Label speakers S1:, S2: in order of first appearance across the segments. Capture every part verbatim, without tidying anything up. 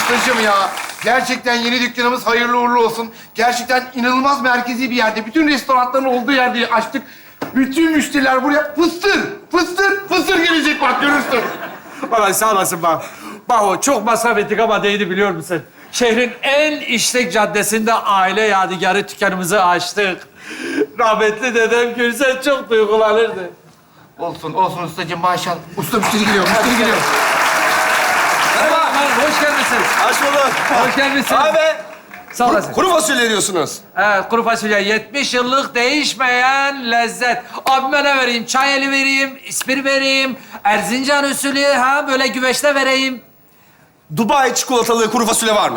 S1: ustacığım ya. Gerçekten yeni dükkanımız hayırlı uğurlu olsun. Gerçekten inanılmaz merkezi bir yerde. Bütün restoranların olduğu yerde açtık. Bütün müşteriler buraya fıstır, fıstır, fıstır gelecek bak görürsün.
S2: Vallahi sağ olasın bak. Bak o çok masraf ettik ama değdi biliyor musun? Şehrin en işlek caddesinde aile yadigarı dükkanımızı açtık. Rahmetli dedem görse çok duygulanırdı.
S1: Olsun, olsun ustacığım maşallah. Usta müşteri geliyor, müşteri geliyor.
S2: Merhaba, hoş gelmişsiniz.
S3: Hoş bulduk.
S2: Hoş gelmişsiniz.
S3: Abi,
S2: Sağ olasın.
S3: kuru fasulye diyorsunuz.
S2: Evet, kuru fasulye. yetmiş yıllık değişmeyen lezzet. Abime ne vereyim? Çay eli vereyim, ispir vereyim, Erzincan usulü, ha böyle güveçte vereyim.
S3: Dubai çikolatalı kuru fasulye var mı?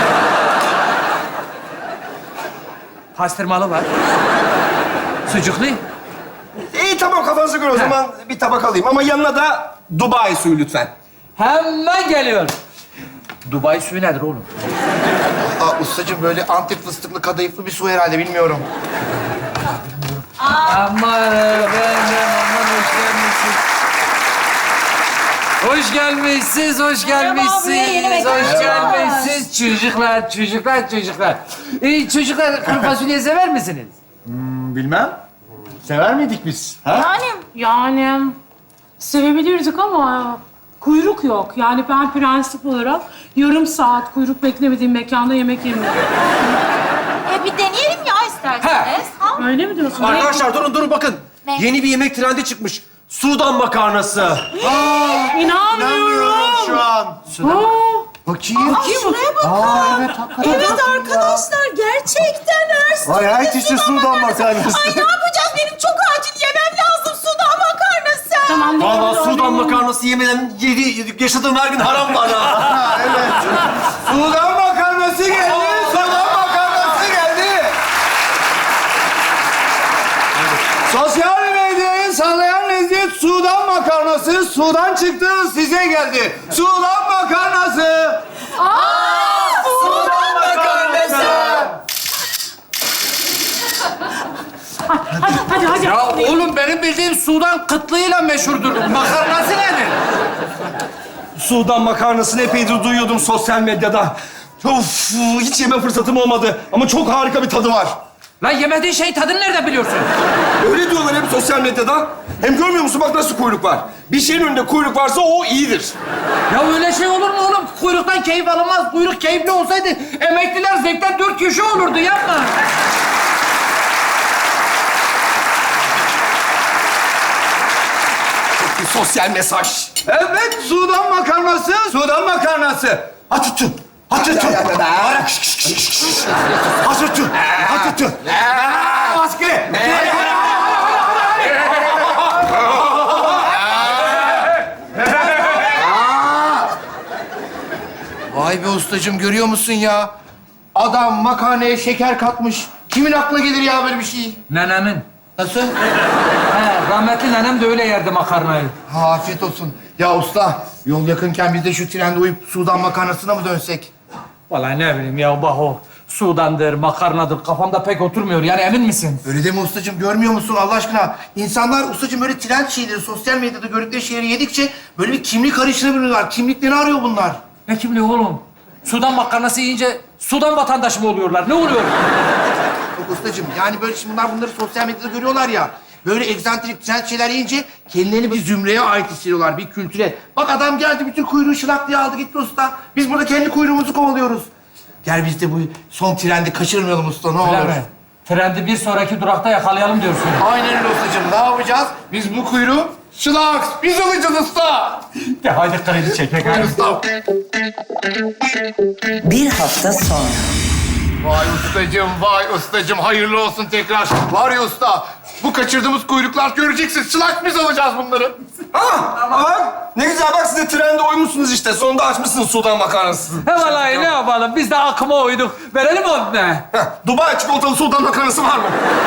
S2: Pastırmalı var. Sucuklu.
S3: İyi tamam kafanıza göre o zaman bir tabak alayım. Ama yanına da Dubai suyu lütfen.
S2: Hemen geliyor. Dubai suyu nedir oğlum?
S1: Aa, ustacığım böyle Antep fıstıklı kadayıflı bir su herhalde bilmiyorum.
S2: Aman efendim, aman hoş gelmişsiniz. Hoş gelmişsiniz, hoş
S4: Merhaba, buraya yeni
S2: gelmişsiniz,
S4: mekan
S2: hoş
S4: açıyorlar.
S2: gelmişsiniz. Çocuklar, çocuklar, çocuklar. Ee, çocuklar kuru fasulye sever misiniz?
S5: Bilmem. Sever miydik biz? Ha?
S4: Yani, yani sevebilirdik ama kuyruk yok. Yani ben prensip olarak yarım saat kuyruk beklemediğim mekanda yemek yemiyorum.
S6: E bir deneyelim ya isterseniz. Ha?
S4: Öyle mi diyorsun?
S5: Arkadaşlar durun durun bakın.
S6: Ne?
S5: Yeni bir yemek trendi çıkmış. Sudan makarnası.
S4: İnanmıyorum.
S5: şu an.
S4: Aa,
S1: Bakayım.
S4: Bakayım mı?
S1: Aa, evet hakikaten.
S6: Evet arkadaşlar gerçekten her
S5: Vay herkese sudan makarnası.
S6: Ay ne yapacağız? Benim çok acil yemem lazım sudan makarnası.
S4: Tamam.
S5: Valla
S4: doğru,
S5: sudan
S4: doğru.
S5: makarnası yemeden yedi, yaşadığım her gün haram bana.
S1: Sudan makarnası geldi, sudan makarnası geldi. Sosyal medyayı sallayan lezzet sudan makarnası. Sudan çıktı, size geldi. Sudan makarnası.
S6: Aa, sudan makarnası.
S4: Hadi, hadi, hadi.
S2: Ya oğlum benim bildiğim Sudan kıtlığıyla meşhurdur. Makarnası nedir?
S3: Sudan makarnasını epeydir duyuyordum sosyal medyada. Of, hiç yeme fırsatım olmadı. Ama çok harika bir tadı var.
S2: Lan yemediğin şey tadını nereden biliyorsun?
S3: Öyle diyorlar hep sosyal medyada. Hem görmüyor musun bak nasıl kuyruk var. Bir şeyin önünde kuyruk varsa o iyidir.
S2: Ya öyle şey olur mu oğlum? Kuyruktan keyif alınmaz. Kuyruk keyifli olsaydı emekliler zevkten dört köşe olurdu. Yapma.
S3: Bir sosyal mesaj.
S1: Evet, sudan makarnası, sudan makarnası.
S3: Atütü. Atütü. Atütü. Atütü.
S1: Maske. Vay be ustacığım, görüyor musun ya? Adam makarnaya şeker katmış. Kimin aklına gelir ya böyle bir şey?
S2: Nenemin.
S1: Nasıl?
S2: He, rahmetli nenem de öyle yerdi makarnayı.
S1: Ha, afiyet olsun. Ya usta, yol yakınken biz de şu trende uyup sudan makarnasına mı dönsek?
S2: Vallahi ne bileyim ya Baho. Sudandır, makarnadır. Kafamda pek oturmuyor. Yani emin misin?
S1: Öyle deme ustacığım, görmüyor musun Allah aşkına? İnsanlar ustacığım böyle trend şeyleri, sosyal medyada gördükleri şeyleri yedikçe böyle bir kimlik arayışına bürünüyorlar. Kimliklerini arıyor bunlar.
S2: Ne kimliği oğlum? Sudan makarnası yiyince Sudan vatandaşı mı oluyorlar? Ne oluyor?
S1: Yok ustacığım, yani böyle şimdi bunlar bunları sosyal medyada görüyorlar ya. Böyle egzantrik trend şeyler yiyince kendilerini bir zümreye ait hissediyorlar, bir kültüre. Bak adam geldi, bütün kuyruğu şılak diye aldı gitti usta. Biz burada kendi kuyruğumuzu kovalıyoruz. Gel biz de bu son trendi kaçırmayalım usta, ne olur.
S2: Öyle mi? Trendi bir sonraki durakta yakalayalım diyorsun.
S1: Aynen öyle ustacığım. Ne yapacağız? Biz bu kuyruğu şılaks, biz alacağız usta.
S2: De hadi kredi çekek.
S1: Hadi usta.
S7: Bir hafta sonra.
S1: Vay ustacığım, vay ustacığım. Hayırlı olsun tekrar. Var ya usta, bu kaçırdığımız kuyruklar göreceksin. Şılaks biz alacağız bunları.
S3: Ha, bak ne güzel bak siz de trende uymuşsunuz işte. Sonunda açmışsınız sudan makarnasını.
S2: He vallahi ne yapalım? Biz de akıma uyduk. Verelim onu ne?
S3: Heh, Dubai çikolatalı sudan makarnası var mı?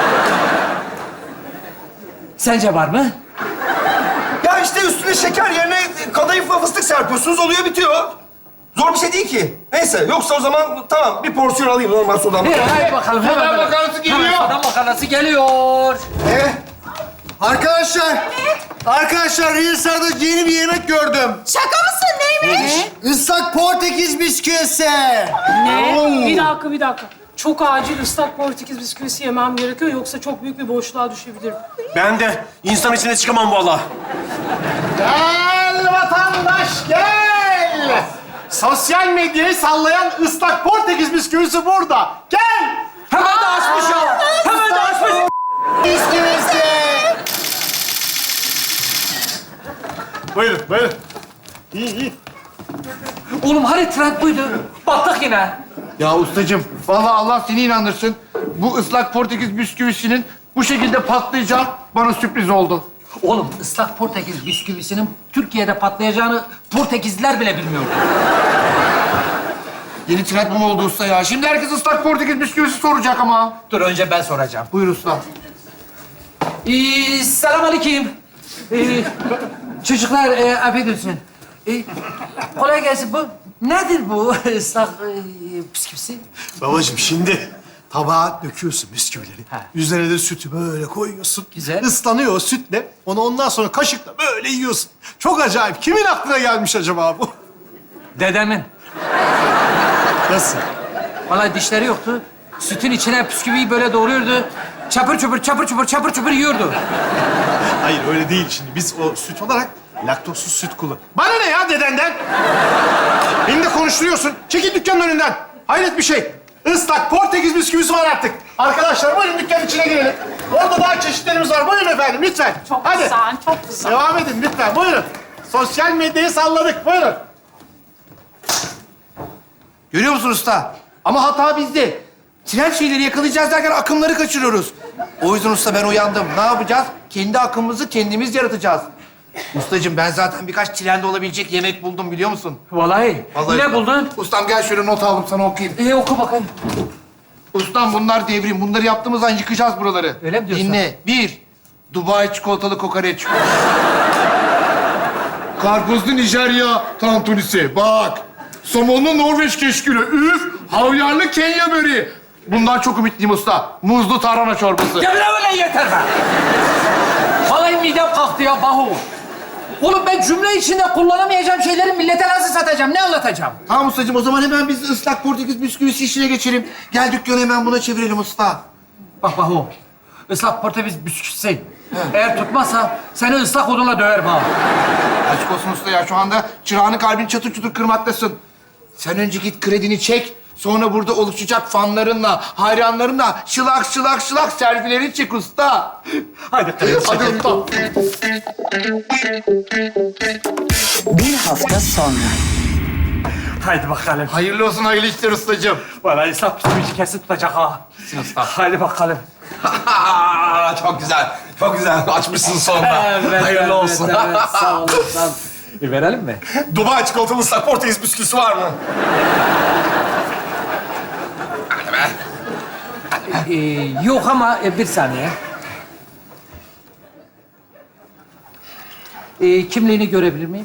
S2: Sence var mı?
S3: Ya işte üstüne şeker yerine kadayıf ve fıstık serpiyorsunuz oluyor bitiyor. Zor bir şey değil ki. Neyse yoksa o zaman tamam bir porsiyon alayım normal sudan
S2: Bir
S3: makarnası.
S2: haydi bakalım.
S1: Sudan
S2: hemen.
S1: makarnası geliyor.
S2: Hemen Sudan makarnası geliyor.
S1: Ee,
S5: Arkadaşlar, arkadaşlar Reels'larda yeni bir yemek gördüm.
S6: Şaka mısın? Neymiş?
S5: Islak Portekiz bisküvisi.
S4: Ne? Bir dakika, bir dakika. Çok acil ıslak Portekiz bisküvisi yemem gerekiyor. Yoksa çok büyük bir boşluğa düşebilirim.
S3: Ben de insan içine çıkamam vallahi.
S7: Gel vatandaş gel. Sosyal medyayı sallayan ıslak Portekiz bisküvisi burada. Gel.
S2: Hemen de açmış ya. Hemen de açmış.
S7: Bisküvisi. Buyurun, buyurun. İyi, iyi.
S2: Oğlum hani trend buydu? Battık yine.
S1: Ya ustacığım, vallahi Allah seni inandırsın. Bu ıslak Portekiz bisküvisinin bu şekilde patlayacağı bana sürpriz oldu.
S8: Oğlum ıslak Portekiz bisküvisinin Türkiye'de patlayacağını Portekizliler bile bilmiyordu.
S1: Yeni trend bu mu oldu usta ya? Şimdi herkes ıslak Portekiz bisküvisi soracak ama.
S8: Dur önce ben soracağım.
S1: Buyur usta.
S8: Ee, selamünaleyküm. Ee, çocuklar, e, affedersin. Ee, kolay gelsin. Bu nedir bu ıslak e, bisküvisi?
S5: Babacığım şimdi tabağa döküyorsun bisküvileri.
S8: Ha.
S5: Üzerine de sütü böyle koyuyorsun.
S8: Güzel.
S5: Islanıyor o sütle. Onu ondan sonra kaşıkla böyle yiyorsun. Çok acayip. Kimin aklına gelmiş acaba bu?
S8: Dedemin.
S5: Nasıl?
S8: Vallahi dişleri yoktu. Sütün içine bisküviyi böyle doğruyordu. Çapır çupur, çapır çupur, çapır çupur yiyordu.
S5: Hayır öyle değil şimdi. Biz o süt olarak laktozsuz süt kullan.
S7: Bana ne ya dedenden? Beni de konuşturuyorsun. Çekil dükkanın önünden. Hayret bir şey. Islak Portekiz bisküvisi var artık. Arkadaşlar buyurun dükkanın içine girelim. Orada daha çeşitlerimiz var. Buyurun efendim lütfen.
S4: Çok
S7: Hadi.
S4: güzel, çok güzel.
S7: Devam edin lütfen. Buyurun. Sosyal medyayı salladık. Buyurun.
S1: Görüyor musun usta? Ama hata bizde. Trend şeyleri yakalayacağız derken akımları kaçırıyoruz. O yüzden usta ben uyandım. Ne yapacağız? Kendi akımımızı kendimiz yaratacağız. Ustacığım ben zaten birkaç trend olabilecek yemek buldum biliyor musun?
S8: Vallahi.
S1: Vallahi-
S8: Ne buldun?
S1: Ustam gel şöyle not aldım sana okuyayım.
S8: Ee, oku bakayım.
S1: Ustam bunlar devrim. Bunları yaptığımız an yıkacağız buraları.
S8: Öyle mi diyorsun?
S1: Dinle. Bir, Dubai çikolatalı kokoreç. Karpuzlu Nijerya tantunisi. Bak. Somonlu Norveç keşkülü. Üf. Havyarlı Kenya böreği. Bundan çok ümitliyim usta. Muzlu tarhana çorbası.
S8: Ya bile öyle yeter be. Vallahi midem kalktı ya Bahu. Oğlum ben cümle içinde kullanamayacağım şeyleri millete nasıl satacağım? Ne anlatacağım?
S1: Tamam ustacığım o zaman hemen biz ıslak Portekiz bisküvisi işine geçelim. Gel dükkanı hemen buna çevirelim usta.
S8: Bak Bahu. Islak Portekiz bisküvisi. Eğer tutmazsa seni ıslak odunla döver Bahu.
S1: Açık olsun usta ya şu anda çırağını kalbini çatır çutur kırmaktasın. Sen önce git kredini çek. Sonra burada oluşacak fanlarınla, hayranlarınla şılak şılak şılak selfilerini çek usta.
S7: Hadi.
S1: Hadi usta.
S9: Bir hafta sonra.
S2: Haydi bakalım.
S1: Hayırlı olsun hayırlı işler ustacığım.
S2: Vallahi ıslak bisküvici kesin tutacak ha.
S1: usta.
S2: Haydi bakalım.
S3: Çok güzel. Çok güzel. Açmışsın sonunda. Hayırlı olsun.
S8: Evet, sağ olun, sağ olun.
S2: E, verelim mi?
S3: Dubai çikolatalı ıslak Portekiz bisküvisi var mı?
S8: Ee, yok ama e, bir saniye. Ee, kimliğini görebilir miyim?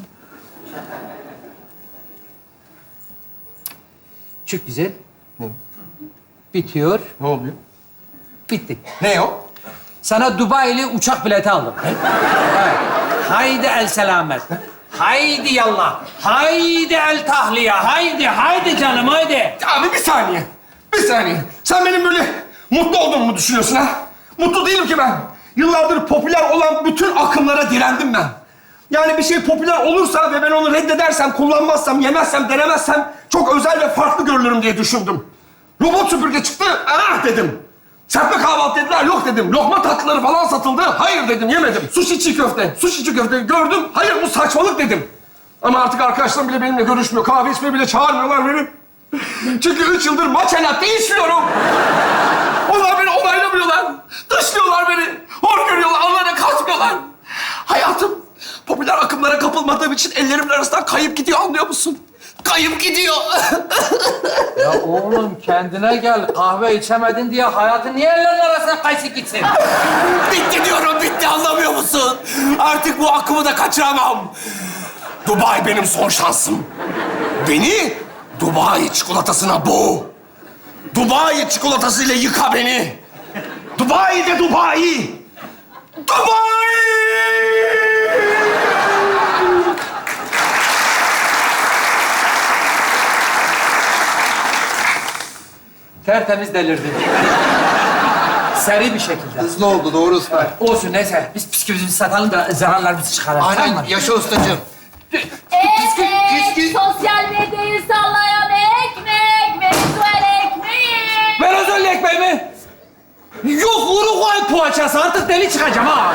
S8: Çok güzel. Bitiyor.
S3: Ne oluyor?
S8: Bitti.
S3: Ne o?
S8: Sana Dubai'li uçak bileti aldım. Evet. Haydi el selamet. Haydi yallah. Haydi el tahliye. Haydi, haydi canım, haydi.
S3: Abi bir saniye. Bir saniye. Sen benim böyle mutlu olduğumu mu düşünüyorsun ha? Mutlu değilim ki ben. Yıllardır popüler olan bütün akımlara direndim ben. Yani bir şey popüler olursa ve ben onu reddedersem, kullanmazsam, yemezsem, denemezsem çok özel ve farklı görülürüm diye düşündüm. Robot süpürge çıktı, ah dedim. Serpme kahvaltı dediler, yok dedim. Lokma tatlıları falan satıldı, hayır dedim, yemedim. Sushi çiğ köfte, sushi çiğ köfte gördüm, hayır bu saçmalık dedim. Ama artık arkadaşlarım bile benimle görüşmüyor, kahve içmeye bile çağırmıyorlar beni. Çünkü üç yıldır maça latte içmiyorum. Onlar beni onaylamıyorlar, dışlıyorlar beni. Hor görüyorlar, onlara katmıyorlar. Hayatım popüler akımlara kapılmadığım için ellerimin arasından kayıp gidiyor, anlıyor musun? Kayıp gidiyor.
S8: Ya oğlum kendine gel. Kahve içemedin diye hayatın niye ellerin arasına kaysın gitsin?
S3: Bitti diyorum, bitti, anlamıyor musun? Artık bu akımı da kaçıramam. Dubai benim son şansım. Beni Dubai çikolatasına boğ. Dubai çikolatasıyla yıka beni. Dubai de Dubai.
S8: Tertemiz delirdi. Seri bir şekilde.
S1: Hızlı oldu, doğru usta.
S8: Olsun neyse. Biz bisküvimizi satalım da zararlarımızı çıkaralım. Tamam
S1: Aynen,
S8: mı?
S1: yaşa ustacığım.
S6: Evet,
S1: bisküvi.
S6: sosyal medyayı sallayan ekmek, Venezuela ekmeği.
S8: Venezuela ekmeği mi? Yok Uruguay poğaçası. Artık deli çıkacağım ha.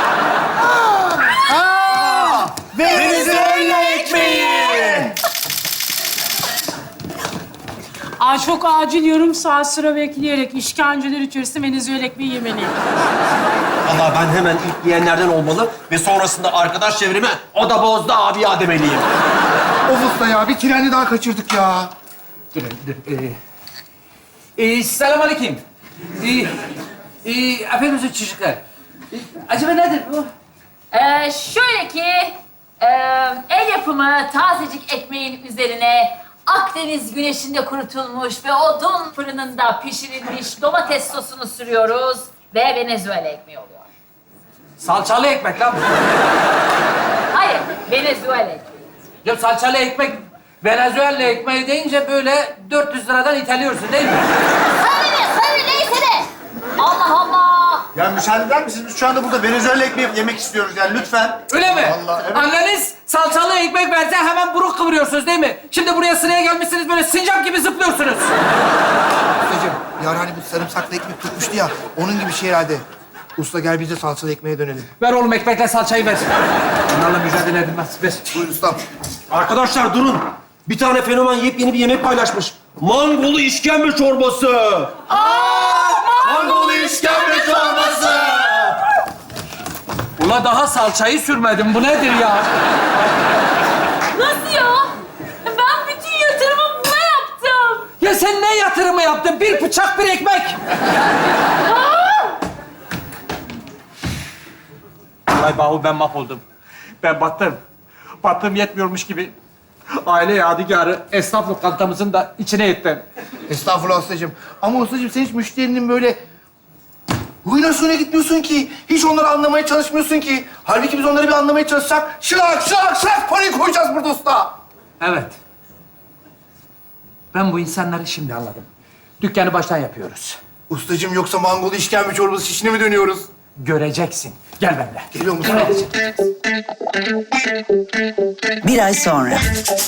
S1: Venezuela ekmeği.
S4: Ay çok acil yarım saat sıra bekleyerek işkenceler içerisinde Venezuela ekmeği yemeliyim.
S3: Vallahi ben hemen ilk yiyenlerden olmalı ve sonrasında arkadaş çevreme o da bozdu abi ya demeliyim.
S1: Of usta ya, bir treni daha kaçırdık ya.
S8: Dur, dur. Ee, ee, selam aleyküm. Ee, ee, efendim çocuklar. Ee, acaba nedir bu?
S6: Ee, şöyle ki, e, el yapımı tazecik ekmeğin üzerine Akdeniz güneşinde kurutulmuş ve odun fırınında pişirilmiş domates sosunu sürüyoruz ve Venezuela ekmeği oluyor.
S8: Salçalı ekmek lan bu.
S6: Hayır, Venezuela ekmeği.
S8: Ya salçalı ekmek, Venezuela ekmeği deyince böyle dört yüz liradan iteliyorsun değil mi?
S6: Sarı ne, sarı neyse de. Allah Allah.
S7: Ya müsaade eder misiniz? Biz şu anda burada Venezuela ekmeği yemek istiyoruz yani lütfen.
S8: Öyle mi?
S7: Vallahi, evet.
S8: Anneniz salçalı ekmek verse hemen buruk kıvırıyorsunuz değil mi? Şimdi buraya sıraya gelmişsiniz böyle sincap gibi zıplıyorsunuz.
S1: Ustacığım, ya hani bu sarımsaklı ekmek tutmuştu ya, onun gibi şey herhalde. Usta gel biz de salçalı ekmeğe dönelim.
S8: Ver oğlum ekmekle salçayı ver. Bunlarla mücadele edilmez. Ver.
S1: Buyur ustam.
S3: Arkadaşlar durun. Bir tane fenomen yepyeni bir yemek paylaşmış. Mangolu işkembe çorbası.
S1: Mangolu işkembe çorbası.
S8: Ula daha salçayı sürmedim. Bu nedir ya?
S6: Nasıl ya? Ben bütün yatırımı buna yaptım.
S8: Ya sen ne yatırımı yaptın? Bir bıçak, bir ekmek. Ay Bahu ben mahvoldum. Ben battım. Battım yetmiyormuş gibi. Aile yadigarı esnaf lokantamızın da içine ettim.
S1: Estağfurullah ustacığım. Ama ustacığım sen hiç müşterinin böyle huyuna suyuna gitmiyorsun ki. Hiç onları anlamaya çalışmıyorsun ki. Halbuki biz onları bir anlamaya çalışsak şılak şılak şılak parayı koyacağız burada usta.
S8: Evet. Ben bu insanları şimdi anladım. Dükkanı baştan yapıyoruz.
S1: Ustacığım yoksa mangolu işkembe çorbası şişine mi dönüyoruz?
S8: Göreceksin. Gel benimle.
S1: Geliyor musun?
S9: Bir ay sonra.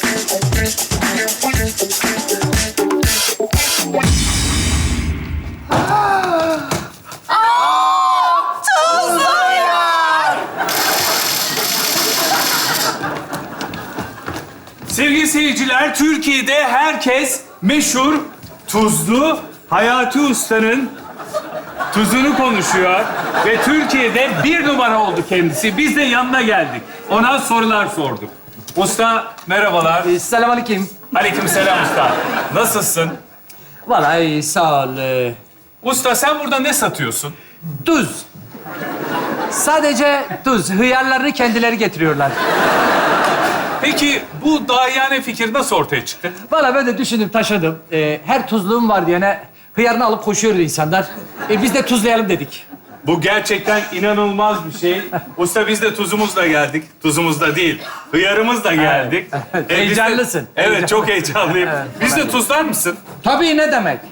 S2: Sevgili seyirciler, Türkiye'de herkes meşhur tuzlu Hayati Usta'nın tuzunu konuşuyor ve Türkiye'de bir numara oldu kendisi. Biz de yanına geldik. Ona sorular sorduk. Usta merhabalar.
S8: Ee, Selamünaleyküm.
S2: Aleykümselam usta. Nasılsın?
S8: Vallahi sağ ol. Ee,
S2: Usta sen burada ne satıyorsun?
S8: Tuz. Sadece tuz. Hıyarlarını kendileri getiriyorlar.
S2: Peki bu dahiyane fikir nasıl ortaya çıktı?
S8: Vallahi ben de düşündüm, taşıdım. Ee, her tuzluğum var diyene hıyarını alıp koşuyor insanlar. Ee, biz de tuzlayalım dedik.
S2: Bu gerçekten inanılmaz bir şey. Usta biz de tuzumuzla geldik. Tuzumuzla değil, hıyarımızla geldik.
S8: Evet.
S2: E, biz de-
S8: Heyecanlısın.
S2: Evet, çok heyecanlıyım. Biz de tuzlar mısın?
S8: Tabii ne demek?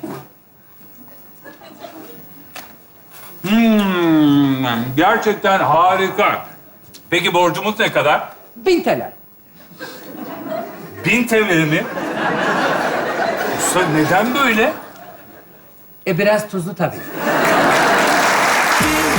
S2: Hmm, gerçekten harika. Peki borcumuz ne kadar?
S8: Bin T L.
S2: Bin T L mi? Usta neden böyle?
S8: E biraz tuzlu tabii.